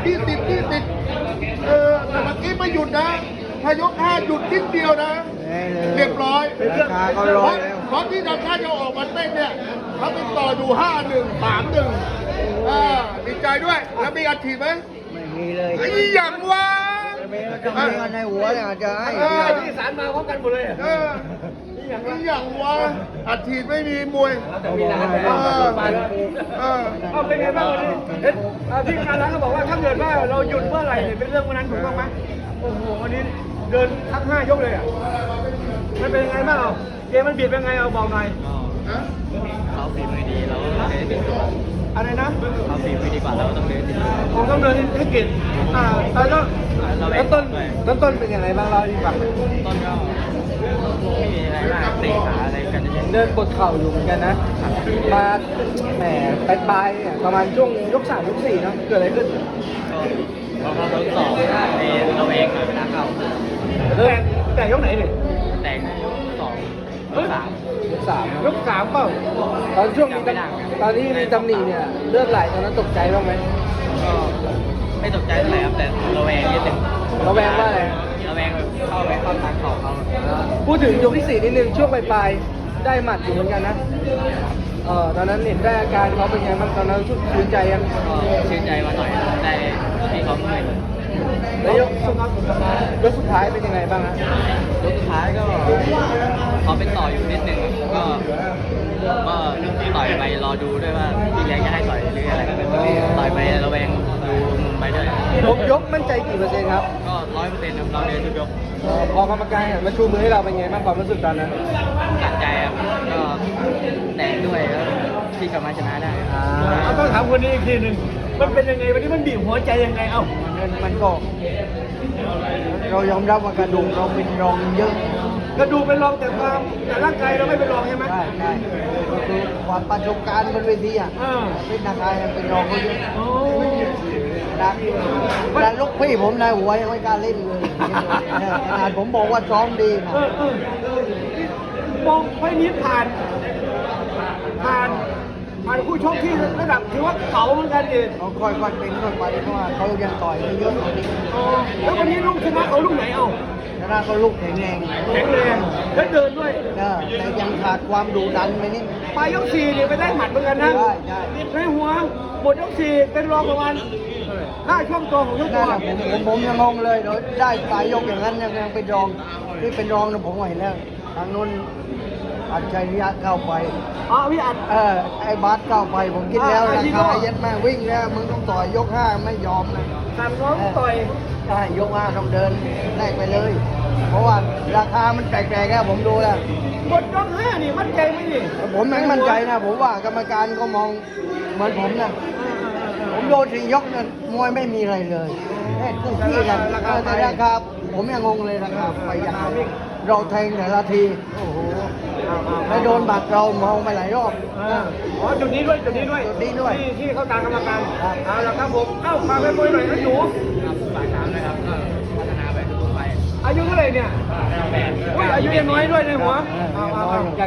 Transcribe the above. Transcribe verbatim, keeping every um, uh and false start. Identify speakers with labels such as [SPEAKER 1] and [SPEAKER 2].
[SPEAKER 1] ที่ติดที่ติดเออแต่เมื่อกี้ไม่หยุดนะถ้ายกห้าหยุดนิดเดียวนะเรียบร้อย
[SPEAKER 2] ราคาก็ร้อยแล้ว
[SPEAKER 1] เพราะที่ทางชาติจะออกมาเต้นเนี่ยเขาติดต่ออยู่ห้าหนึ่งสามหนึ่งอ่าดีใจด้วยแล้วมีอัดฉีดไหม
[SPEAKER 2] ไม่มีเลย
[SPEAKER 1] ไอ้อย่างวะ
[SPEAKER 2] มีจะมีกันในหัวเนี่ยจะให้
[SPEAKER 1] เออ
[SPEAKER 3] ที่สารมาพร้อมกันหมดเลย
[SPEAKER 1] เออไอ้อย่างวะอัดฉีดไม่มีมวย
[SPEAKER 3] แต่มีร้าน
[SPEAKER 1] เออ
[SPEAKER 3] มาแล้ว
[SPEAKER 1] เออ
[SPEAKER 3] เอาเป็นไงบ้างวันนี้เห็นพี่การร้านก็บอกว่าถ้าเกิดว่าเราหยุดเมื่อไหร่เนี่ยเป็นเรื่องวันนั้นถูกต้องไหมโอ้โหวันนี้เดินทั้งห้ายกเลยอ่ะมันเป็นยังไงบ้างเอาเกมมันบีบเป็นไงเอาบอกหน่อย
[SPEAKER 4] เขาฝีมือดีเราก็ต้องเดินติด
[SPEAKER 3] อะไรนะ
[SPEAKER 4] เขาฝีมือดีกว่าเราก็ต้องเดินติด
[SPEAKER 3] ผมต้องเดินให้เก่งอ่าแล้วก็
[SPEAKER 4] เราแบ่
[SPEAKER 3] แล้
[SPEAKER 4] ง
[SPEAKER 3] วต้น
[SPEAKER 4] ด้วย
[SPEAKER 3] แล้วต้นเป็นยังไงบ้างเราที่ฟัง
[SPEAKER 4] ต้นก็ไม่มีอะไรมากเตะขาอะไรกันเฉย
[SPEAKER 3] เดินปวดเข่าอยู่เหมือนกันนะมาแหมปลายปลายๆเนี่ยประมาณช่วงยกสามยกสี่เนาะเกิดอะไรขึ้น
[SPEAKER 4] ๆก็พอเขาทดสอบในเราเองหน่อยเวลาเข้า
[SPEAKER 3] แต่แต่ยกไหนเนี่ย
[SPEAKER 4] แต่งยกสองยกสาม
[SPEAKER 3] ยกสามยกสามเปล่าตอนช่วงมีตำตอนที่มีตำหนิเนี่ยเลือดไหลตอนนั้นตกใจบ้างไหม
[SPEAKER 4] ก็ไม่ตกใจเท่าไหร่ครับแต่เราแวงนิดนึง
[SPEAKER 3] ระแวงว่าอะไร
[SPEAKER 4] เราแวงแบบเข้าไปเข้าทางเข่าเขา
[SPEAKER 3] พูดถึงยกที่สี่นิดนึงช่วงปลายๆได้หมัดอยู่เหมือนกันนะเออตอนนั้นเห็นได้อาการเขาเป็นไงบ้างตอนนั้นชื่นใจยัง
[SPEAKER 4] ก็ชื่นใจมาหน่อยได้ที่เขาเมื่อย
[SPEAKER 3] แล้วยกยกสุดท้ายเป็นยังไงบ้างฮะ
[SPEAKER 4] ยกสุดท้ายก็เขาเป็นต่ออยู่นิดนึงก็ก็ต่อยไปรอดูด้วยว่าพี่เลี้ยงจะให้ต่อยหรืออะไรต่อยไประแวงดูมุมไปด้วย
[SPEAKER 3] ยกยกมั่นใจกี่เปอร์เซ็นต์ครับ
[SPEAKER 4] ก็ร้อยเปอร์เซ็นต์ครับเราเดินทุกยก
[SPEAKER 3] เอ่อพอกรรมการหันมาชูมือให้เราเป็นไงบ้างความรู้สึกตอนนั้น
[SPEAKER 4] ตัดใจครับก็แตกด้วยแล้วที่กลับมาชนะได้
[SPEAKER 3] เอาต้องถามคนนี้อีกทีหนึ่งมันเป็นยังไงวันนี้มันบีบหัวใจยังไงเอ้า
[SPEAKER 2] มันมันก็ เรายอมรับว่ากระดูกเราเป็นรองเยอะ
[SPEAKER 3] กระดูกเป็นรองแต่ความแต่ร่างกายเราไม่เป็นรองใช่ไหม
[SPEAKER 2] ใช่ใช่ก็คือความประสบการณ์บนเวทีอ่ะ
[SPEAKER 3] เออ
[SPEAKER 2] เป็นนักกายเป็นรองเขาเยอะ
[SPEAKER 3] โอ้
[SPEAKER 2] นะแต่ลูกพี่ผมนายหัวยังไม่กล้าเล่นเลยเนี่ยขนาดผมบอกว่าซ้อมดีนะ
[SPEAKER 3] เออเออมองไฟนี้ผ่าน ผ่าน ผ่านคู่ชกที่ระดับถือว่าเก่าเหมือนกันดิ
[SPEAKER 2] เขาค่อยๆเป็นค่อยไปเพราะว่าเขายังต่อยไม่เยอะกว่านี้
[SPEAKER 3] อ๋อแล้ววันนี้ลูกชนะเขาลูกไหนเอ้า
[SPEAKER 2] ชนะเขาลูกแข็งแรง
[SPEAKER 3] แข็งแรงและเดินด้วย
[SPEAKER 2] เออแต่ยังขาดความดุดันไปนิด
[SPEAKER 3] ปลายยกสี่เนี่ยไปได้หมัดเหมือนกันนะ
[SPEAKER 2] ใช่ใช่
[SPEAKER 3] ในหัวหมดยกสี่เป็นรองประมาณห้าช่วงตัวของยกตั
[SPEAKER 2] นั่
[SPEAKER 3] วน
[SPEAKER 2] แหละผมผมผมยังงงเลยเดี๋ยวได้ปลายยกอย่างนั้นยังยังเป็นรองที่เป็นรองนะผมก็เห็นแล้วทางนู้นอัจฉริยะเข้าไป
[SPEAKER 3] อ๋อพี่อัด
[SPEAKER 2] เออไอ้บาสเข้าไปผมคิดแล้ว
[SPEAKER 3] อ่า
[SPEAKER 2] รา
[SPEAKER 3] ไอ้ที่
[SPEAKER 2] คา
[SPEAKER 3] ก็
[SPEAKER 2] เย็ดแม่วิ่งแล้วมึงต้องต่อยยกห้าไม่ยอมนะ
[SPEAKER 3] สั่งน้องต่อย
[SPEAKER 2] ใช่ยกห้าต้องเดินแลกไปเลย เพราะว่าราคามันแปลกๆแล้วผมดูแล้ว
[SPEAKER 3] หมดยกห้านี่มั่นใจไหมนี่
[SPEAKER 2] ผมไม่มั่นใจนะผมว่ากรรมการก็มองเหมือนผมนะผมโดนสี่ยกนั้นมวยไม่มีอะไรเลยแค่คู่ขี้กันเออแต่ราคาผมยังงงเลยราคาไปอย่างไรเราแทงแต่ละทีโอ้โหแล้วโดนบัตรเรามองไปหลายรอบ
[SPEAKER 3] อ่าอ๋อจุดนี้ด้วยจุดนี้ด้วย
[SPEAKER 2] จุดนี้ด้วย
[SPEAKER 3] ที่ที่เข้าตามกรรมการ
[SPEAKER 2] ครับ
[SPEAKER 3] เอาละครับผมเอ้าฝากไปมวยหน่อยนะหนู
[SPEAKER 4] ครับฝากถามนะครับก็พัฒนาไปทุกๆไป
[SPEAKER 3] อายุเท่าไหร่เนี่ย
[SPEAKER 4] แปด
[SPEAKER 3] อุ้ยอายุยังน้อยด้วยในหัว
[SPEAKER 2] เออ
[SPEAKER 3] เอา
[SPEAKER 2] ยัง
[SPEAKER 3] เอา
[SPEAKER 2] น้อย
[SPEAKER 3] เอา